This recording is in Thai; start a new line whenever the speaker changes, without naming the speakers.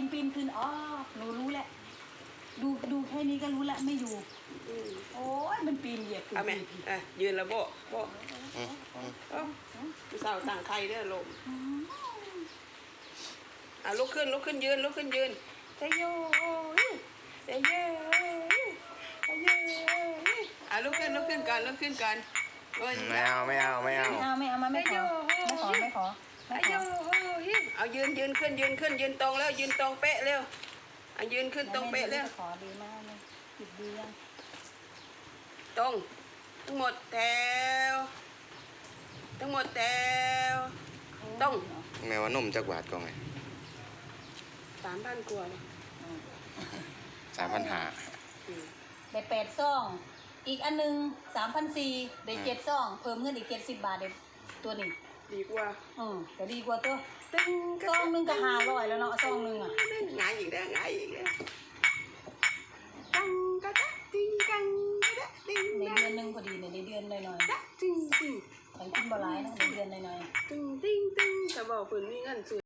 ปีนขึ้นอ๋อหนูรู้แหละดูแค่นี้ก็รู้แล้วไม่อยู่โอ้ยมันปีนเหยียบขึ้นไป
ยืนแล้วโบเสาต่างใครเด้อลมลุกขึ้นยืนเซโยเซโยลุกขึ้นก่อน
ไม่เอา
ไม่ขอ
เอายืนขึ้นยืนตรงแล้วยืนตรงเป๊ะเร็วยืนขึ้นตรงเป๊ะเร็ว
ขอดีมากเลยหยุดดียัง
ตรงทั้งหมดแถวตรง
แม่ว่านุ่มจักบาทก็ไง
3,000 กว่า
3,500
ได้8 ซองอีกอันนึง3,400ได้7 ซองเพิ่มเงินอีก70 บาทเด็ตัวนี้
ดีกว่า
ก็ดีกว่าตัวซองนึงก็500แล้วเนาะซองนึง
ง่ายอีกแล้ว
ในเดือนนึงพอดีในเดือนหน่อยๆแต่กินบ่หลายนะในเดือนหน่อยๆ
ถ้าบอกเพิ่นมีเงินซื้อ